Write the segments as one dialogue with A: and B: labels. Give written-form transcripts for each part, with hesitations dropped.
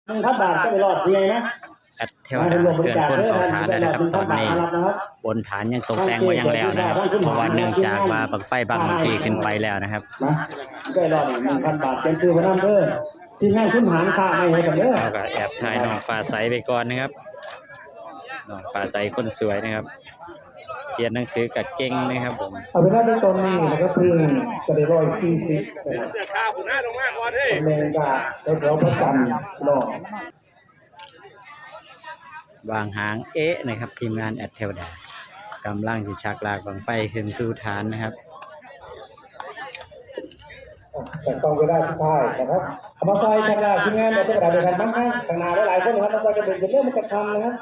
A: 1,000 บาทก็ไปรอดยังไงนะ
B: แอดเทวดาเขื่อนพ้นเขาฐานแล้วนะครับตอนนี้บนฐานยังตกแต่งไว้ยังแล้วนะครับเพราะว่าเนื่องจากว่าบังไฟบางบางทีขึ้นไปแล้วนะครับ
A: ก็รอด 1,000 บาทเป็นคือพนันเด้อที่งานขึ้นหารค่าให้กันเด้อ
B: เราก็แอบถ่ายน้องฟ้าใสไปก่อนนะครับน้องฟ้าใสคนสวยนะครับเรียนหนังสือกับเก่งนะครับผม
A: เอาไปได้ในตอนนี้นะครับคือจะได้140เสื้อข้าวหัวหน้าลงมาก่อนเฮ้ยแรงกาแถวประกันรอ
B: วางหางนะครับทีมงานแอดเทวดากำลังสิชักลากบังไฟขึ้นสู่ฐานนะครับ
A: แต่ต้องไปได้ทุกท่ายนะครับเอามาใส่ทางด้านทีมงานแอดเทวดาเดินทางบ้างข้างหน้าหลายๆคนนะครับเราจะเดินเริ่มมันจะทำนะครับ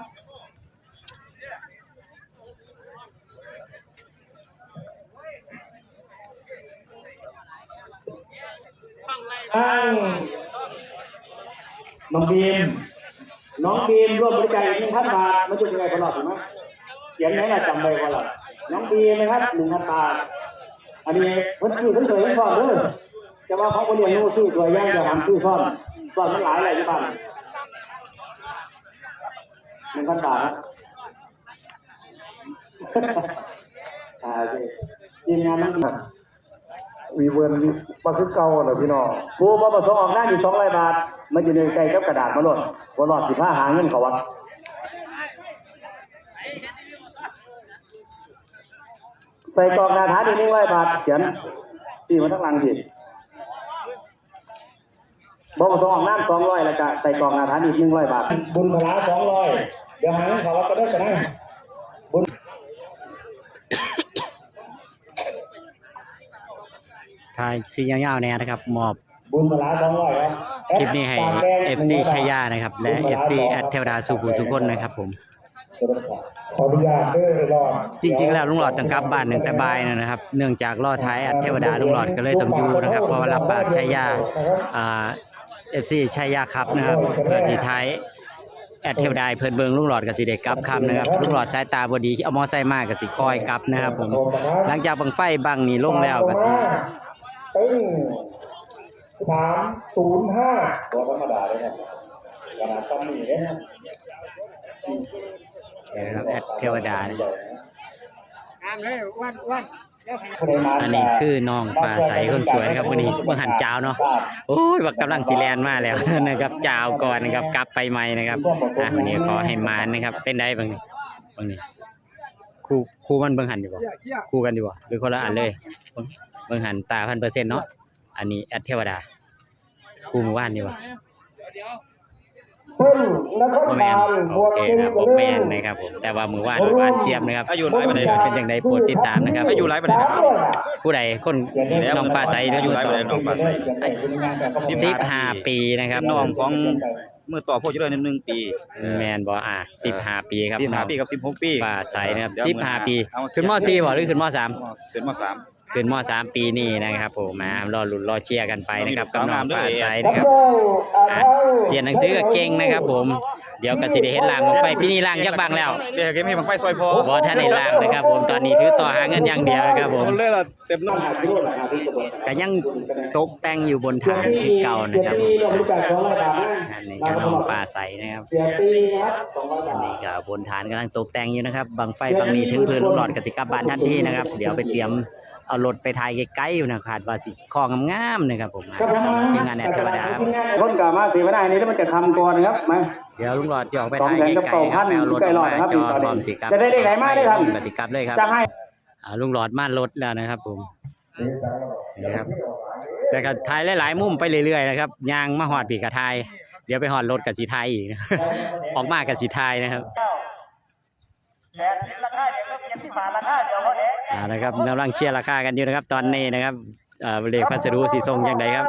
A: น้องบีมร่วมบริจาคอีก 1,000 บาทมาช่วยยังไงกันหรอถูกไหมเขียนไหนล่ะจำได้ก่อนล่ะน้องบีมนะครับ 1,000 บาทอันนี้เพิ่นซื้อเพิ่นเคยซ่อนเด้อจะว่าเขาบ่เรียนรู้ซื้อตัวอย่างจะทำซื้อซ่อนมันหลายอะไรอยู่บ้าน 1,000 บาททีมงานนั่งวีเวิร์นมาคือเก่าเหรอพี่น้องผู้มาประสงค์ออกหน้าอยู่200 บาทมันจะเดินไกลกับกระดาษมาหลดว่าหลอด15หาเงินเขาวัดใส่กล่องนาถาดี100 บาทเขียนที่มาทั้งหลังสิบอกประสงค์ออกหน้า200แล้วก็ใส่กล่องนาถาดี100 บาทบุญพลา200เดี๋ยวหาเงินเขาวัดก็ได้กันนะบุญ
B: ถ่ายซียาวๆเนี่ยนะครับมอบ
A: บุญพลา200ครับ
B: คลิปนี้ให้ FC ชัยยานะครับและ FC แอดเทวดาสุภูสุคนนะครับผม
A: ขออนุญาตเด้อรอ
B: จริงๆแล้วลุงหลอดต้องกลับบ้านตั้งแต่บ่ายนะครับเนื่องจากรอท้ายแอดเทวดาลุงหลอดก็เลยต้องอยู่นะครับเพราะว่ารับปากชัยยาFC ชัยยาครับนะครับเพื่อที่ท้ายแอดเทวดาเพิ่นเบิ่งลุงหลอดกับสิเด็กกลับคำนะครับลุงหลอดสายตาบ่ดีเอามอไซค์มากับสิคอยกลับนะครับผมหลังจากบังไฟบังนี่ลงแล้วก็สิ
A: 305ตัวธรรมดาเลยนะขนาดตั้งนี่เลยนะ
B: แอดเทวดาอันนี้คือน้องฟ้าใสคนสวยนะครับวันนี้เมื่อหันเจ้าเนาะโอ้ยว่ากำลังสิแลนมาแล้วนะครับเจ้าก่อนนะครับกลับไปใหม่นะครับวันนี้ขอให้มานะครับเป็นได้บางนี่คู่มันเบิ่งหันอยู่บ่คู่กันอยู่บ่หรือคนละอันเลยเบิ่งหันตา 1,000% เนาะอันนี้แอดเทวดาคู่หมู่บ้านนี่บ่โอแมนโอเคครับโอแมนนะครับผมแต่ว่ามือว่านหวานเชียมนะครับ
C: อายุหลายปานใด
B: เป็นอย่างไรโปรดติดตามนะครับ
C: อายุหลายปานใดนะครับ
B: ผู้ใดคนน้องฟ้าใส
C: อายุหลายปานใดน้องฟ้าใส
B: 15 ปีนะครับ
C: น้องของมือต่อพวกเจริญ1 ปี
B: แมนบ่15 ปีครับ
C: 15 ปีกับ16 ปี
B: ฟ้าใสนะครับ15 ปีขึ้นม.4บ่หรือขึ้นม.3
C: ขึ้นม.3
B: ขึ้นม.3 ปีนี้นะครับผมมารอลุ้นรอเชียร์กันไปนะครับกับน้องฟ้าใสนะครับเรียนหนังสือก็เก่งนะครับผมเดี๋ยวก็สิได้เห็นล่างบังไฟพี่นี่ล่างยักษ์บางแล้ว
C: เดี๋ยวเก็บให้บังไฟซอยพอ
B: บ่ท่านได้ล่างนะครับผมตอนนี้ถือต่อหาเงินอย่างเดียวนะครับผม
C: เลยล่ะเต็มน้อง
B: ก็ยังตกแต่งอยู่บนฐานที่เก่านะครับอันนี้ก็น้องฟ้าใสนะครับอันนี้ก็บนฐานกำลังตกแต่งอยู่นะครับบังไฟบางนี้ถึงพื้นลูกหลอดกติกาบ้านทันทีนะครับเดี๋ยวไปเตรียมเอารถไปถ่ายใกล้ๆอยู่นะคาดว่าสิคองงามๆนะครับผมทีมงานแอดเทวดาครับ
A: คนกลับมาสิไม่ได้นี่แล้วมันจะทำก่อนนะครับมา
B: เดี๋ยวลุงหลอดจะออกไปถ่ายใกล้ๆครับไปเอารถออกมาจอดพร้อมสิครับ
A: จะได้ไหนมาได้ทำ
B: กติกาเลยครับลุงหลอดมารถแล้วนะครับผมนี่ครับแต่ก็ถ่ายหลายๆมุมไปเรื่อยๆนะครับยางมาหอดปีกกระทายเดี๋ยวไปหอดรถกับสีไทยอีกออกมากับสีไทยนะครับนะครับกำลังเชียร์ราคากันอยู่นะครับตอนนี้นะครับเลขพัสดุสีส้มอย่างไรครับ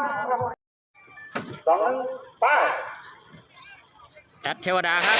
A: 2 ป้า
B: แอดเทวดาครับ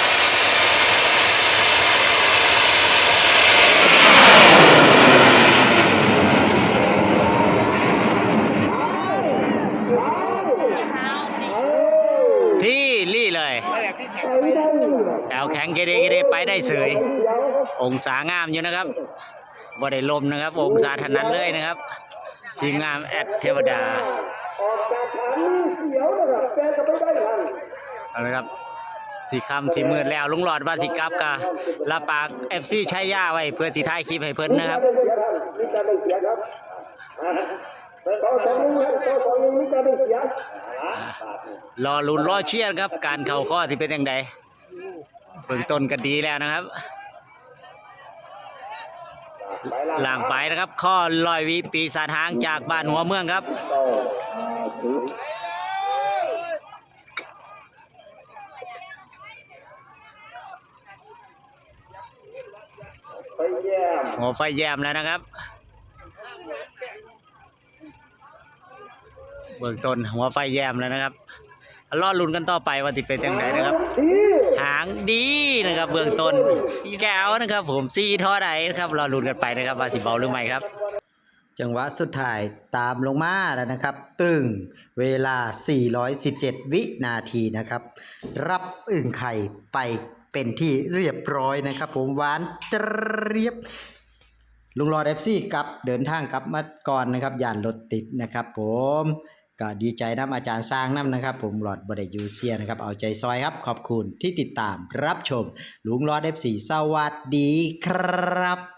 B: ที่รี่เลยแอวแข็งเกเรไปได้เสยองศางามอยู่นะครับบ่ได้ลมนะครับองศาถนัดเลยนะครับทีมงานแอดเทวดาเอาละครับสีคำที่มืดแล้วลุงหลอดว่าสิกลับกะลาปาก FC ใช้ย่าไว้เพื่อสิถ่ายคลิปให้เพิ่นนะครับรอลุ้นรอเชียร์ครับการเข่าข้อที่เป็นยังไงเบื้องต้นก็ดีแล้วนะครับหลังไปนะครับข้อลอยวิปีศาจหางจากบ้านหัวเมืองครับหัวไฟแยมแล้วนะครับเบื้องต้นหัวไฟแยมแล้วนะครับรอลุ้นกันต่อไปว่าจะเป็นยังไงนะครับหางดีนะครับเบื้องต้นแก้วนะครับผมซีท่อใดนะครับรอลุ้นกันไปนะครับว่าสิเบาหรือไม่ครับจังหวะสุดท้ายตามลงมาแล้วนะครับตึงเวลา417วินาทีนะครับรับอึ่งไข่ไปเป็นที่เรียบร้อยนะครับผมหวานเจี๊ยบลุงรอเอฟซีกลับเดินทางกลับมาก่อนนะครับย่านรถติดนะครับผมก็ดีใจน้ำอาจารย์สร้างน้ำนะครับผมหลอดบไดยูเซียนะครับเอาใจซอยครับขอบคุณที่ติดตามรับชมลุงรอเอฟซีสวัสดีครับ